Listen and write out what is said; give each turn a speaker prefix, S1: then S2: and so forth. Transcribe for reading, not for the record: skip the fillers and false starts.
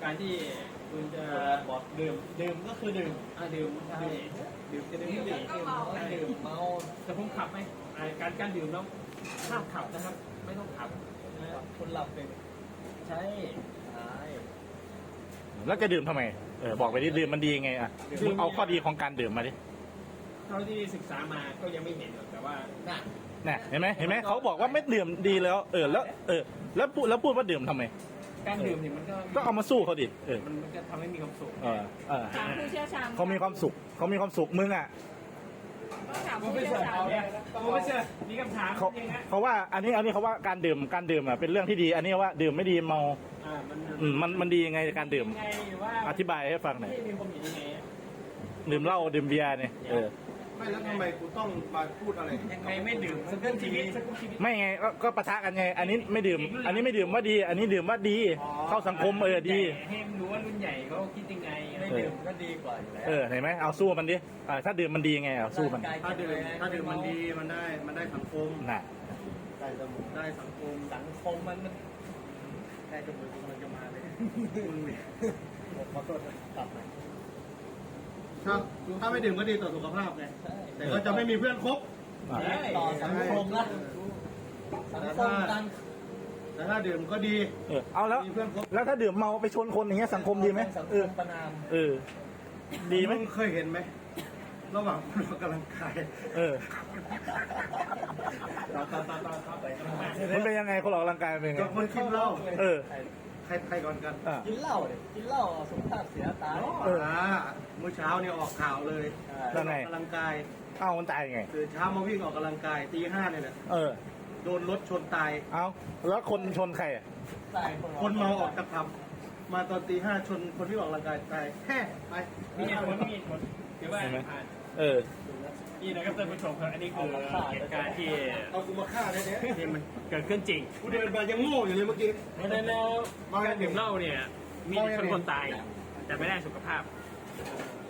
S1: การที่คุณจะบอกดื่มก็คือดื่มดื่มใช่ดื่มจะดื่มก็ดื่มเมาแต่ผมขับไหมการดื่มแล้วห้ามขับนะครับไม่ต้องขับคนหลับเป็นใช่
S2: แล้วจะดื่มทำไมบอกไปดิดื่มมันดียังไงอ่ะเอาข้อดีของการดื่มมาดิ
S1: เท่าที่ศึกษามาก็ยังไม่เห็นหรอกแต่ว่า
S2: น่ะเห็นไหมเขาบอกว่าไม่ดื่มดีแล้วแล้วพูดว่าดื่มทำไม
S1: การดื่มเนี่ยมัน
S2: ก็เอามาสู้เขาดิ
S1: มันก็ทำให้มีความสุข
S3: ถามผู้เชี่ยวชาญ
S2: เขามีความสุขมึงอ่ะ
S3: ก็ถามผู้เชี่ยวชาญ
S1: ไม่เชื่อมีคำถาม
S2: เขาว่าอันนี้เขาว่าการดื่มอ่ะเป็นเรื่องที่ดีอันนี้ว่าดื่มไม่ดีเมามันดียังไงการดื่มอธิบายให้ฟังหน่อยดื่มเหล้าดื่มเบียร์เนี่ย
S4: ไม่แล้วทำไมกูต้องมาพูดอะไร
S1: ยังไงไม่ดื่มสักครึ่งชีวิต
S2: ไม่ไงก็ปะทะกันไงอันนี้ไม่ดื่มอันนี้ไม่ดื่มว่าดีอันนี้ดื่มว่าดีเข้าสังคมดี
S1: ให้รู้ว่ารุ่นใหญ่เขาคิดยังไงไม่ดื่มก็ดีกว่าอยู่แล้ว
S2: เห็นไหมเอาสู้มันดิถ้าดื่มมันดีไงเอาสู้มัน
S4: ถ้าดื่มมันดีมันได้สังคม
S2: น่ะ
S4: ได้สังคม
S1: มันได้จมูกมันจะมาเลยมึงเนี่ยขอโทษกลับมา
S4: ถ้าไม่ดื่มก็ดีต่อสุขภาพไงแต่ก็จะไม่มีเพื่อนคบ
S1: ต่อสังคมละสังคมกัน
S4: แต่ถ้าดื่มก็ดี
S2: เอาแล้วถ้าดื่มเมาไปชนคนอย่างเงี้ยสังคมดีไหม
S1: ประนาม
S2: ดีไหม
S4: เคยเห็นไหมระหว่างคนออกกำลังกาย
S2: มันเป็นยังไงคนออกกำลังกายเป็นไง
S4: คนกินเหล้าใครก่อนกัน
S1: กินเหล้าสุขภาพเสียตาย
S4: เมื่อเช้าเนี่ยออกข่าวเลยออกกำลังกาย
S2: มันตายไง
S4: ตื่นเช้ามาวิ่งออกกำลังกายตี 5เนี่ยแหละโดนรถชนตาย
S2: แล้วคนชนใคร
S4: คนเมาออกจากผับมาตอนตี 5ชนคนที่ออกกำลังกายตายแค่ไป
S1: มีคนถือว่านี่นะครับท่านผู้ชมครับอันนี้คือเหตุการณ์ที่
S4: เอากูมาฆ่าเนี่ย
S1: ที่มันเกิดขึ้นจริง
S4: กูเดินมายังโง่อยู่เลยเมื่อกี้
S1: แล้วการดื่มเหล้าเนี่ยมีคนตายแต่ไม่ได้สุขภาพ